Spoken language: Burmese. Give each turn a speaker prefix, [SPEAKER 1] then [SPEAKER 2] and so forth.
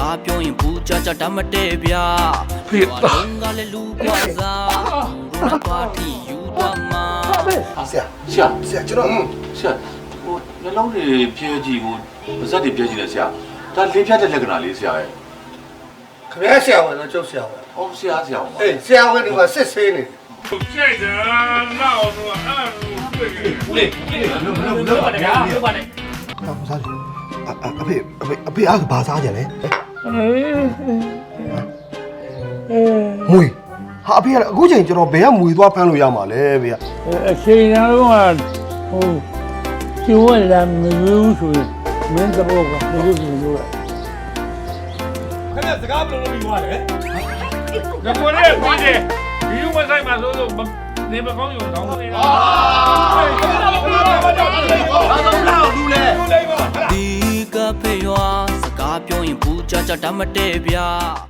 [SPEAKER 1] ကားပြောရင်ဘူးကြကြတတ်မတည့်ဗျာဖေကလည်းလူကွာစားလူတော့တီယူတော့မှာ
[SPEAKER 2] ဆရာကျွန်တော်
[SPEAKER 3] ဆရာဟိုနှလုံးတွေပြဲကြည့်ကိုပါဇက်တွေပြဲကြည့်လဲဆရာဒါလေးပြတဲ့လက္ခဏာလေးဆရာရဲ့
[SPEAKER 2] ခင်ဗျားဆရာဝန်တော့ကျုပ်ဆရာဝန်
[SPEAKER 3] ဟောဆရာပါ
[SPEAKER 2] အေးဆရာဝန်ဒီမှာစစ်ဆေးနေတယ်
[SPEAKER 4] ကြိုက်တယ်နောက်တော့အဲ့လိုတွေ့နေ
[SPEAKER 2] ဦးလေးလုံးပါနဲ့ဗျာလုံးပါနဲ့ဘာစားလဲအဖေအားဘာစားကြလဲမွေဟာအဖေကအခုချိန်ကျွန်တော်ဘယ်ကမွေသွားဖမ်းလို့ရမှာလဲဗျာ
[SPEAKER 4] အချိန်တော့ဟိုကျိုးလာမလို့ဆိုရင်မင်းတော့ကမလို့ဆိုလို့
[SPEAKER 5] ခင်ဗျစကားဘယ်လိုလုပ်ပြီးသွားလဲ
[SPEAKER 4] ဒါကိုလည်းပြီးတယ်ဒီလိုမဆိုင်မှာဆိုလို့နေမကောင်းရုံတောင်းနေတာ
[SPEAKER 1] ဒီကဖေရွာစကားပြောရင်ဘူးကြကြတတ်မတည့်ဗျာ